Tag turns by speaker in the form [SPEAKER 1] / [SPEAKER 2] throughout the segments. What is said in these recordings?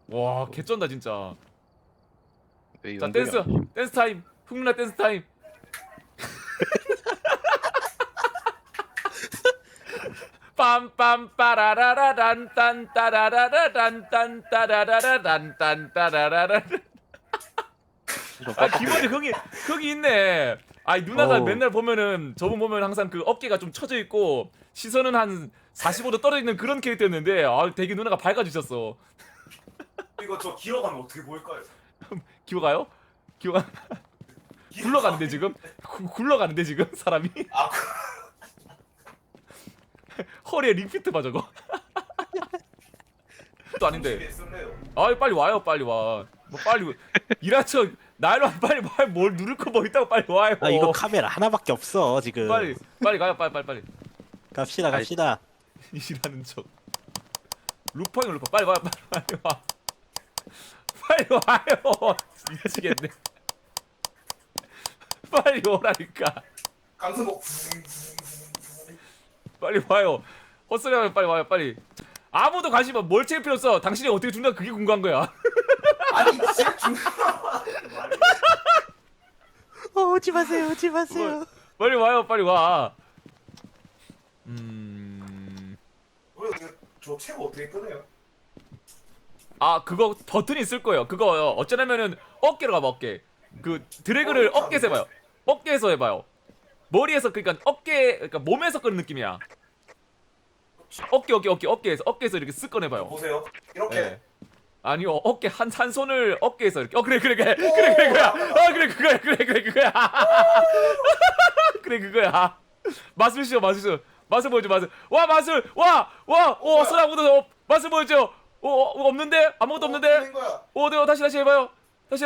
[SPEAKER 1] 와 개쩐다 진짜.
[SPEAKER 2] 왜
[SPEAKER 1] 자
[SPEAKER 2] 이런
[SPEAKER 1] 댄스 타임. 흥민아 댄스 타임. 빰빰 빠라라라란 딴 따라라라란 딴 따라라라란 딴 따라라라. 아 기본이 흥이 있네. 아이 누나가
[SPEAKER 3] 어우.
[SPEAKER 1] 맨날 보면은 저분 보면 항상 그 어깨가 좀 처져 있고 시선은 한 45도 떨어져 있는 그런 캐릭터였는데 아 되게 누나가 밝아지셨어.
[SPEAKER 4] 이거 저 기어가면 어떻게 보일까요?
[SPEAKER 1] 기어가요? 기어가 굴러가는데 지금 굴러가는데 지금 사람이
[SPEAKER 4] 아,
[SPEAKER 1] 허리에 링피트 봐 저거. 또 아닌데.
[SPEAKER 4] 쓸래요.
[SPEAKER 1] 아 빨리 와요 빨리 와. 뭐 빨리 일한 척 나일로 빨리 뭘 누를 거 뭐 있다고 빨리 와요.
[SPEAKER 3] 아 이거 카메라 하나밖에 없어 지금.
[SPEAKER 1] 빨리 가요 빨리.
[SPEAKER 3] 갑시다.
[SPEAKER 1] 일하는 척. 루팡이 루팡 빨리 와요 빨리 와. 빨리 와요. 미치겠네. 빨리 오라니까.
[SPEAKER 4] 강승복.
[SPEAKER 1] 빨리 와요. 헛소리하면 빨리 와요 빨리. 아무도 관심 없. 뭘 챙길 필요 없어. 당신이 어떻게 죽나 그게 궁금한 거야.
[SPEAKER 4] 아니 진짜 중요한
[SPEAKER 3] 오지 마세요.
[SPEAKER 1] 빨리 와요 빨리 와.
[SPEAKER 4] 저 체고 어떻게 끄네요?
[SPEAKER 1] 아 그거 버튼이 있을 거예요. 그거 어쩌냐면은 어깨로 가봐 어깨. 그 드래그를 어깨에서 해봐요. 어깨에서 해봐요. 머리에서 그러니까 어깨 그러니까 몸에서 끄는 느낌이야. 어깨에서 이렇게 쓱 꺼내봐요.
[SPEAKER 4] 보세요. 이렇게.
[SPEAKER 1] 네. 아니요 어깨 한 손을 어깨에서 이렇게 그래 그거야. 그래 그거야. 그래 그거야. 마술쇼 맛을 보여줘 맛을. 와 마술 와오 손 아무도 맛을 보여줘. 없는데 아무것도 없는데.
[SPEAKER 4] 거야.
[SPEAKER 1] 네, 다시 해봐요. 다시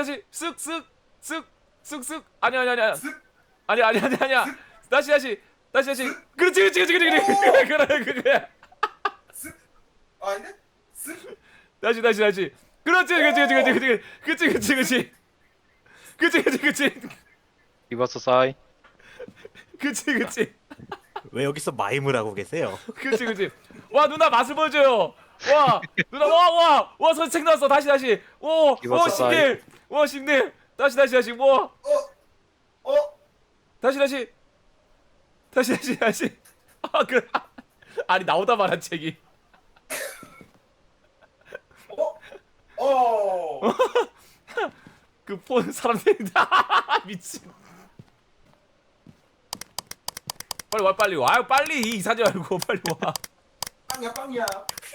[SPEAKER 1] 쓱쓱 아니야.
[SPEAKER 4] 쓱.
[SPEAKER 1] 아니야. 다시. 그렇지. 그래 그거야.
[SPEAKER 4] 쓱. 아닌데? 쓱.
[SPEAKER 1] 다시. 그렇지.
[SPEAKER 2] 리버스 사이.
[SPEAKER 1] 그치.
[SPEAKER 3] 왜 여기서 마임을 하고 계세요?
[SPEAKER 1] 그치. 와 누나 맛을 보여줘요. 와 누나 와 선책 나왔어. 다시. 오
[SPEAKER 2] 기버스
[SPEAKER 1] 신님. 다시. 와 다시. 아 그래. 아니 나오다 말한 책이. 그 폰 사람들이다. 미친. 빨리 와요 빨리 이사지 말고 빨리 와.
[SPEAKER 4] 빵이야.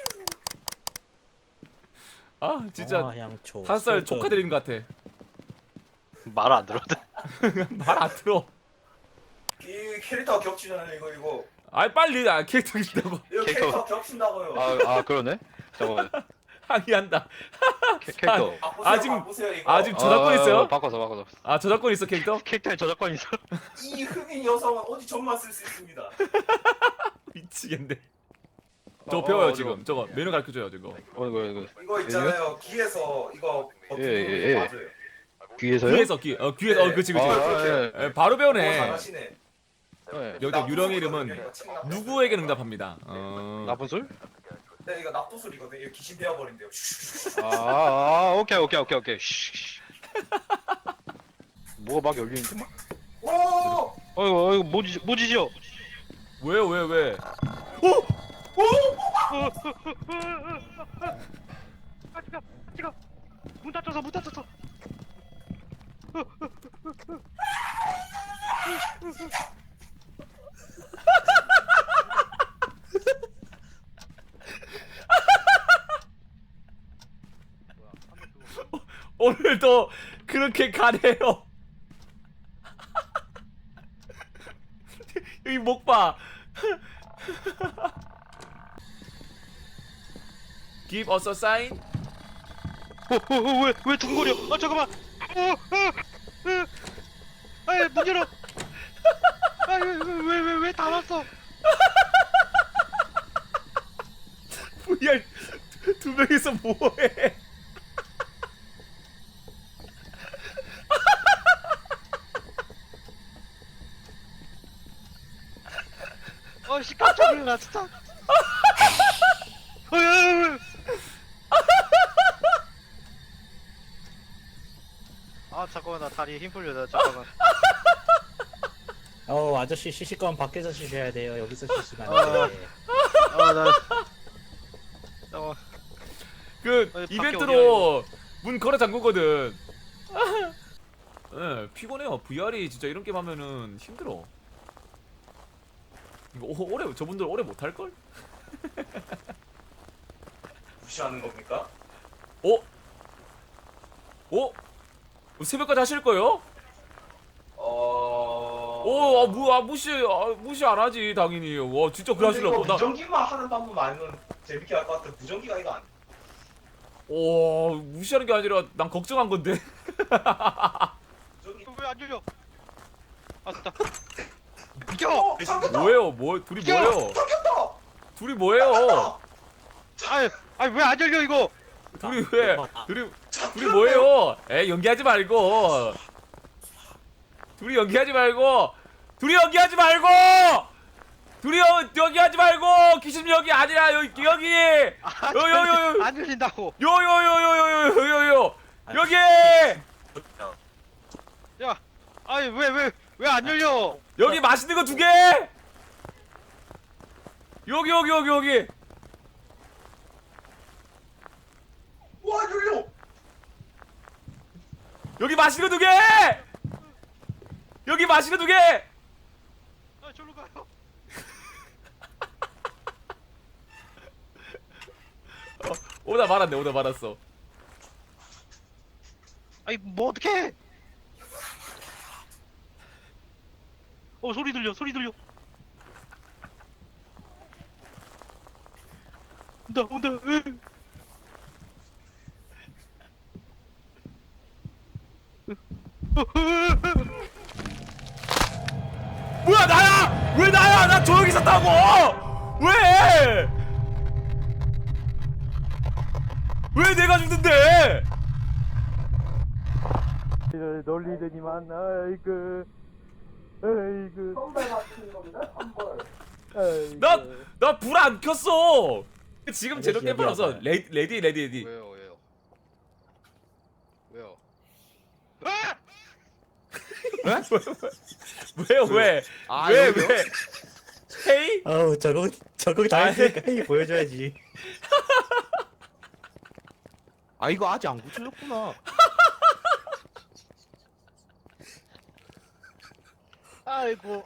[SPEAKER 1] 아 진짜
[SPEAKER 3] 양초.
[SPEAKER 1] 5살 조카 드리는 것 같아.
[SPEAKER 2] 말 안 들어도.
[SPEAKER 1] 말 안 들어.
[SPEAKER 4] 이 캐릭터가 겹치잖아요. 이거.
[SPEAKER 1] 아이 빨리 캐릭터 있다고
[SPEAKER 4] 이거 캐릭터 겹친다고요.
[SPEAKER 2] 아 그러네. 잠깐만.
[SPEAKER 1] 항의한다.
[SPEAKER 2] 캐릭터.
[SPEAKER 4] 보세요, 이거.
[SPEAKER 1] 아 지금 저작권 있어요?
[SPEAKER 2] 바꿔서.
[SPEAKER 1] 아 저작권 있어 캐릭터?
[SPEAKER 2] 캐릭터에 저작권 있어.
[SPEAKER 4] 이 흑인 여성은 어디 전만 쓸 수 있습니다.
[SPEAKER 1] 미치겠네. 저거 배워요 지금. 저거 메뉴 가르쳐줘요 저거.
[SPEAKER 2] 이거.
[SPEAKER 4] 이거 있잖아요. 귀에서 이거 버튼
[SPEAKER 2] 예.
[SPEAKER 4] 누르는 거 맞아요.
[SPEAKER 2] 귀에서요?
[SPEAKER 1] 귀에서 그치.
[SPEAKER 2] 예.
[SPEAKER 1] 바로 배우네.
[SPEAKER 4] 잘하시네.
[SPEAKER 1] 여기다 유령의 이름은 누구에게 응답합니다.
[SPEAKER 2] 나쁜 술?
[SPEAKER 4] 네, 이거 납도술이거든. 이거 귀신 되어버린대요.
[SPEAKER 2] 오케이. 쉬. 뭐가 막 열리는데 막?
[SPEAKER 4] 오!
[SPEAKER 2] 어이구 뭐지죠?
[SPEAKER 1] 왜?
[SPEAKER 2] 지가 문 닫혔어.
[SPEAKER 1] 오늘도 그렇게 가네요. 여기 목 봐. Give us a sign.
[SPEAKER 2] 왜 둥거려? 잠깐만. 문 열어. 왜 닫았어?
[SPEAKER 1] VR 두 명이서 뭐해?
[SPEAKER 2] 씨 깜짝 놀라 진짜. 아 잠깐만 나 다리에 힘 풀려. 나 잠깐만.
[SPEAKER 3] 아저씨 쉬실 거면 밖에서 쉬셔야 돼요. 여기서 쉬시면
[SPEAKER 2] 아.
[SPEAKER 3] 안 돼.
[SPEAKER 2] 나 잠깐만.
[SPEAKER 1] 그
[SPEAKER 2] 밖에
[SPEAKER 1] 이벤트로 문 걸어 잠그거든. 예, 피곤해요. VR이 진짜 이런 게임 하면은 힘들어. 이거 오래 저분들 오래 못 할 걸?
[SPEAKER 4] 무시하는 겁니까?
[SPEAKER 1] 어? 어? 새벽까지 하실 거예요? 무시 안 하지 당연히. 와 진짜 그래 하시려고. 나
[SPEAKER 4] 무전기만 하는 방법 아니면 재밌게 할 것 같아. 무전기가 이거 안.
[SPEAKER 1] 무시하는 게 아니라 난 걱정한 건데.
[SPEAKER 4] 무전기.
[SPEAKER 2] 왜안 열려? 아 됐다. 비켜.
[SPEAKER 1] 뭐예요? 둘이 뭐예요?
[SPEAKER 4] 잠겼다.
[SPEAKER 1] 둘이 뭐예요?
[SPEAKER 2] 아니 왜 안 열려 이거?
[SPEAKER 1] 둘이 왜? 둘이 뭐예요? 연기하지 말고. 둘이 연기하지 말고. 연기하지 말고. 귀신 여기 아니라 여기.
[SPEAKER 2] 안 열린다고.
[SPEAKER 1] 요요요요요요요요. 여기.
[SPEAKER 2] 야, 아니 왜 안 열려?
[SPEAKER 1] 여기 맛있는 거 2개. 여기.
[SPEAKER 4] 와 열려.
[SPEAKER 1] 여기 맛있는 거 2개. 여기 맛있는 거 2개.
[SPEAKER 2] 아 저로 가요.
[SPEAKER 1] 오다 말았어.
[SPEAKER 2] 아니 뭐 어떡해? 소리 들려. 온다.
[SPEAKER 1] 뭐야 나야? 왜 나야? 나 조용히 있었다고. 왜? 왜 내가 죽는데? 놀리더니만
[SPEAKER 4] 선배 같은 겁니다. 선벌.
[SPEAKER 1] 나 불 안 켰어. 지금 제대로
[SPEAKER 3] 여기,
[SPEAKER 1] 깰 뻔 없어.
[SPEAKER 3] 여기
[SPEAKER 1] 레디.
[SPEAKER 2] 왜요?
[SPEAKER 1] 왜요? 왜? 헤이?
[SPEAKER 3] 저거 다 했으니까 회의 보여줘야지.
[SPEAKER 5] 아 이거 아직 안 고쳐졌구나.
[SPEAKER 2] 아이고.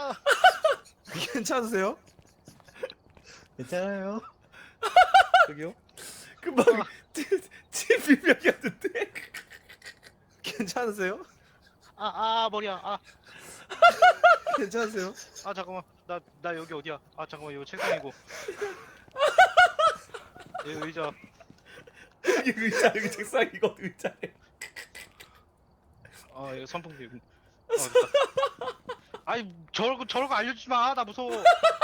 [SPEAKER 5] 괜찮으세요?
[SPEAKER 3] 괜찮아요.
[SPEAKER 5] 저기요?
[SPEAKER 1] 금방 집 비명이었는데.
[SPEAKER 5] 괜찮으세요?
[SPEAKER 2] 머리야.
[SPEAKER 5] 괜찮으세요?
[SPEAKER 2] 잠깐만. 나 여기 어디야? 잠깐만 이거 책상이고. 여기 의자.
[SPEAKER 1] 여기 의자, 여기 책상 이거 의자에.
[SPEAKER 2] 이거 선풍기. 됐다. 아니 저런 거 알려주지 마. 나 무서워.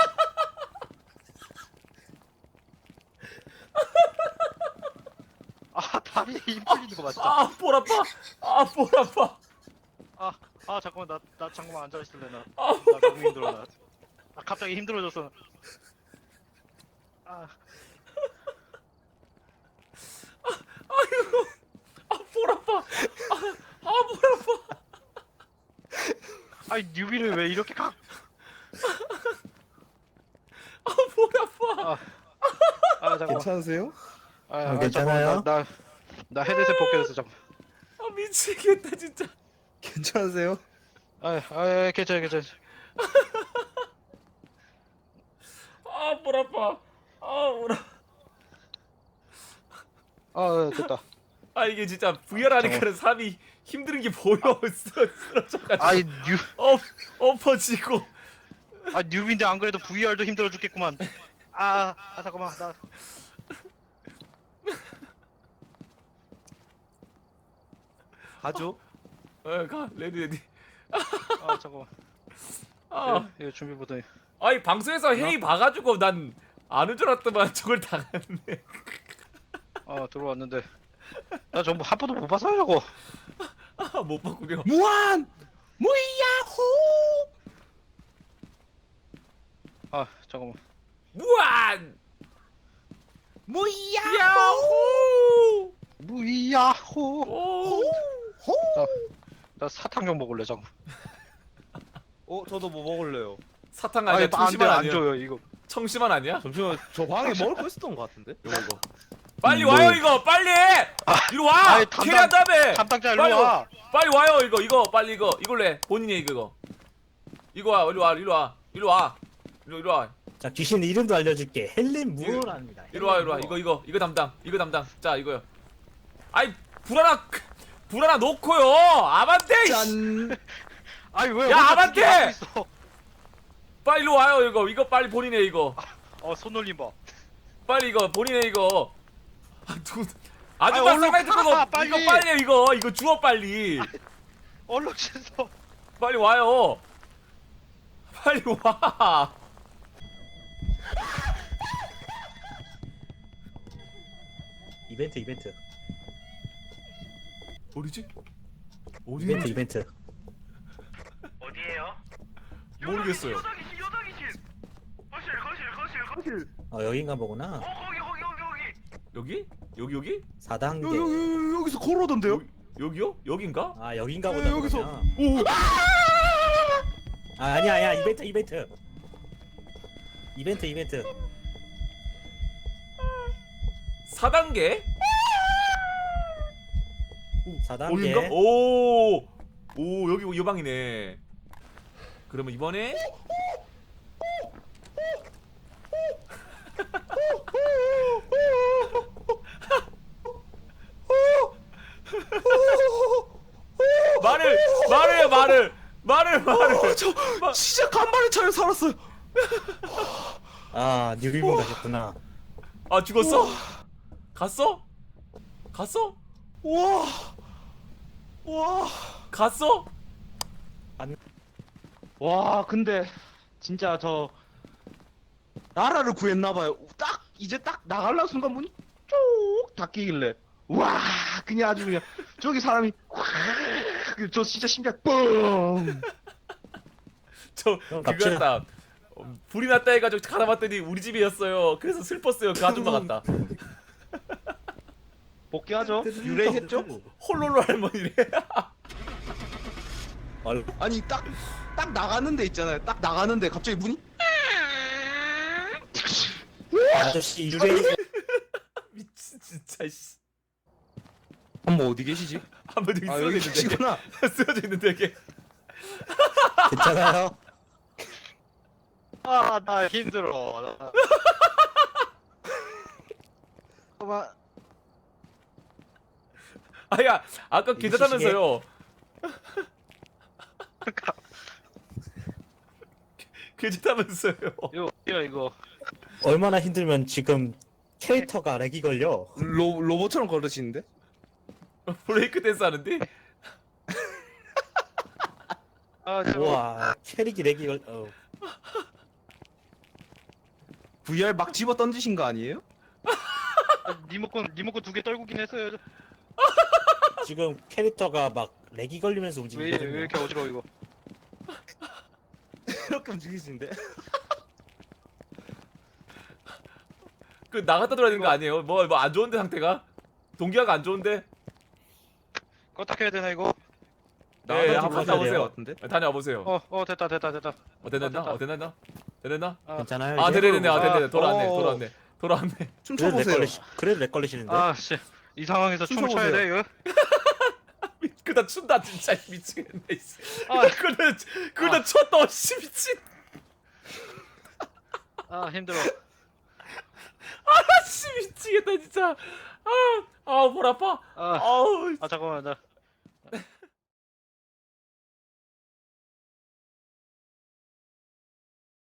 [SPEAKER 2] 다리에 힘 풀리는 거 맞다.
[SPEAKER 1] 볼 아파. 볼 아파.
[SPEAKER 2] 잠깐만 나 잠깐만 앉아 있을래 나.
[SPEAKER 1] 아,
[SPEAKER 2] 나 너무 힘들어 나. 갑자기 힘들어졌어.
[SPEAKER 1] 볼 아파. 볼 아파.
[SPEAKER 2] 아니 뉴비를 왜 이렇게 가?
[SPEAKER 1] 볼 아파.
[SPEAKER 2] 잠깐만.
[SPEAKER 5] 괜찮으세요?
[SPEAKER 3] 괜찮아요?
[SPEAKER 2] 잠깐만, 나 헤드셋 벗겨졌어 잠깐.
[SPEAKER 1] 미치겠다 진짜.
[SPEAKER 5] 괜찮으세요?
[SPEAKER 2] 괜찮아.
[SPEAKER 1] 볼 아파. 볼 아파.
[SPEAKER 2] 됐다.
[SPEAKER 1] 이게 진짜 VR 하니까는 사람이 힘든 게 보여. 쓰러져가지고.
[SPEAKER 2] 아이
[SPEAKER 1] 엎어지고.
[SPEAKER 2] 뉴비인데 안 그래도 VR도 힘들어 죽겠구만. 잠깐만 나.
[SPEAKER 5] 가죠?
[SPEAKER 1] 가 레디.
[SPEAKER 2] 잠깐만. 이거 준비 보더니.
[SPEAKER 1] 아니 방송에서 회의 봐가지고 난 아는 줄 알았더만 저걸 당했네.
[SPEAKER 2] 들어왔는데 나 전부 한 번도 못 봤어 저거.
[SPEAKER 1] 못 봤군요.
[SPEAKER 5] 무한 무이야호.
[SPEAKER 2] 잠깐만.
[SPEAKER 1] 무한
[SPEAKER 5] 무이야호.
[SPEAKER 1] 야호.
[SPEAKER 2] 무이야호.
[SPEAKER 1] 오.
[SPEAKER 5] 호.
[SPEAKER 2] 나 사탕 먹을래 자꾸.
[SPEAKER 5] 저도 뭐 먹을래요.
[SPEAKER 1] 사탕 아니야?
[SPEAKER 2] 안돼
[SPEAKER 1] 청심환
[SPEAKER 2] 안
[SPEAKER 1] 아니야?
[SPEAKER 2] 줘요 이거.
[SPEAKER 1] 청심환 아니야?
[SPEAKER 5] 잠시만 저 방에 먹을 거 있었던 것 같은데.
[SPEAKER 1] 이거. 빨리 와요 이거 빨리. 이리 와.
[SPEAKER 2] 아이,
[SPEAKER 1] 캐리한 다음에.
[SPEAKER 2] 담당자
[SPEAKER 1] 빨리
[SPEAKER 2] 일로 와.
[SPEAKER 1] 빨리 와요 이거 빨리 이걸로 해. 본인이 이거. 이거 와 이리 와.
[SPEAKER 3] 자 귀신 이름도 알려줄게. 헬린 무어랍니다.
[SPEAKER 1] 이리 와 이거 담당. 자 이거요. 아이 불 하나 놓고요. 아반떼.
[SPEAKER 5] 짠.
[SPEAKER 2] 아니 왜?
[SPEAKER 1] 야,
[SPEAKER 2] 혼자
[SPEAKER 1] 아반떼!
[SPEAKER 2] 두개 갖고 있어?
[SPEAKER 1] 빨리 와요 이거 빨리 본인이 해 이거.
[SPEAKER 2] 손놀림 봐.
[SPEAKER 1] 빨리 이거 본인이 해 이거.
[SPEAKER 2] 아이,
[SPEAKER 1] 아줌마
[SPEAKER 2] 얼른
[SPEAKER 1] 쌍라이트
[SPEAKER 2] 가,
[SPEAKER 1] 끄고
[SPEAKER 2] 빨리.
[SPEAKER 1] 이거 빨리 해 이거 주워 빨리.
[SPEAKER 2] 얼른 씻어.
[SPEAKER 1] 빨리 와요. 빨리 와.
[SPEAKER 3] 이벤트.
[SPEAKER 1] 어디지?
[SPEAKER 3] 이벤트.
[SPEAKER 4] 어디에요?
[SPEAKER 1] 모르겠어요.
[SPEAKER 3] 여긴가 보구나.
[SPEAKER 1] 여기?
[SPEAKER 3] 4단계.
[SPEAKER 5] 여기서 걸어오던데요?
[SPEAKER 1] 여기요? 여긴가?
[SPEAKER 3] 아 여긴가 보다.
[SPEAKER 5] 여기서.
[SPEAKER 3] 그러면. 아니야 이벤트.
[SPEAKER 1] 4단계?
[SPEAKER 3] 4단계.
[SPEAKER 1] 여긴가? 오 여기 이 방이네. 그러면 이번에 말을
[SPEAKER 5] 저 진짜 간만에 차려 살았어요.
[SPEAKER 3] 아 뉴비분 가셨구나.
[SPEAKER 1] 아 죽었어? 갔어?
[SPEAKER 5] 와.
[SPEAKER 1] 갔어?
[SPEAKER 5] 와 근데 진짜 저 나라를 구했나봐요. 이제 딱 나가려는 순간 문이 쭉 닫히길래 와 그냥 아주 그냥 저기 사람이 저 진짜 심장 뻥.
[SPEAKER 1] 저
[SPEAKER 3] 형, 갑시다.
[SPEAKER 1] 그거였다. 불이 났다 해가지고 가다 봤더니 우리 집이었어요. 그래서 슬펐어요. 그 아줌마 같다.
[SPEAKER 5] 복귀하죠. 유래했죠?
[SPEAKER 1] 홀로로 할머니래.
[SPEAKER 5] 아니 딱 나가는데 있잖아요. 딱 나가는데 갑자기 문이
[SPEAKER 3] 아저씨 유래.
[SPEAKER 1] 미친 진짜 씨.
[SPEAKER 5] 한번 어디 계시지?
[SPEAKER 1] 한번 저기 쓰러져
[SPEAKER 5] 여기
[SPEAKER 1] 있는데.
[SPEAKER 5] 계시구나.
[SPEAKER 1] 쓰러져 있는데 이게.
[SPEAKER 3] 괜찮아요?
[SPEAKER 2] 나 힘들어.
[SPEAKER 1] 아야 아까 괜찮다면서요. 괜찮다면서요.
[SPEAKER 2] 이거.
[SPEAKER 3] 얼마나 힘들면 지금 캐릭터가 렉이 걸려.
[SPEAKER 5] 로봇처럼 걸으시는데?
[SPEAKER 1] 브레이크 댄스 하는데?
[SPEAKER 3] 우와 캐릭이 렉이 걸.
[SPEAKER 5] VR 막 집어 던지신 거 아니에요?
[SPEAKER 2] 리모컨 2개 떨구긴 했어요.
[SPEAKER 3] 지금 캐릭터가 막 렉이 걸리면서
[SPEAKER 2] 왜
[SPEAKER 3] 움직이거든요.
[SPEAKER 2] 이렇게 어지러워 이거.
[SPEAKER 5] 이렇게 움직이시는데?
[SPEAKER 1] 그 나갔다 들어야 되는 거 아니에요? 뭐 안 좋은데 상태가? 동기화가 안 좋은데?
[SPEAKER 2] 껐다 켜야 되나 이거?
[SPEAKER 1] 네,
[SPEAKER 3] 나가서
[SPEAKER 1] 한번
[SPEAKER 3] 들어가셔야
[SPEAKER 1] 다녀보세요.
[SPEAKER 3] 돼요.
[SPEAKER 5] 같은데?
[SPEAKER 1] 다녀와 보세요.
[SPEAKER 2] 됐다.
[SPEAKER 1] 됐나?
[SPEAKER 3] 괜찮아요?
[SPEAKER 1] 아,
[SPEAKER 3] 이제?
[SPEAKER 1] 됐네.
[SPEAKER 2] 아,
[SPEAKER 1] 돌아왔네.
[SPEAKER 5] 춤춰보세요.
[SPEAKER 3] 그래도 렉 걸리시는데.
[SPEAKER 2] 씨. 이 상황에서 춤을 춰야
[SPEAKER 5] 춤춰보세요.
[SPEAKER 2] 돼 이거?
[SPEAKER 1] 그다 춘다 진짜 미치겠네.
[SPEAKER 2] 아.
[SPEAKER 1] 그다 췄다 씨 미친.
[SPEAKER 2] 힘들어.
[SPEAKER 1] 씨 미치겠다 진짜. 볼 아파. 아우.
[SPEAKER 2] 잠깐만 나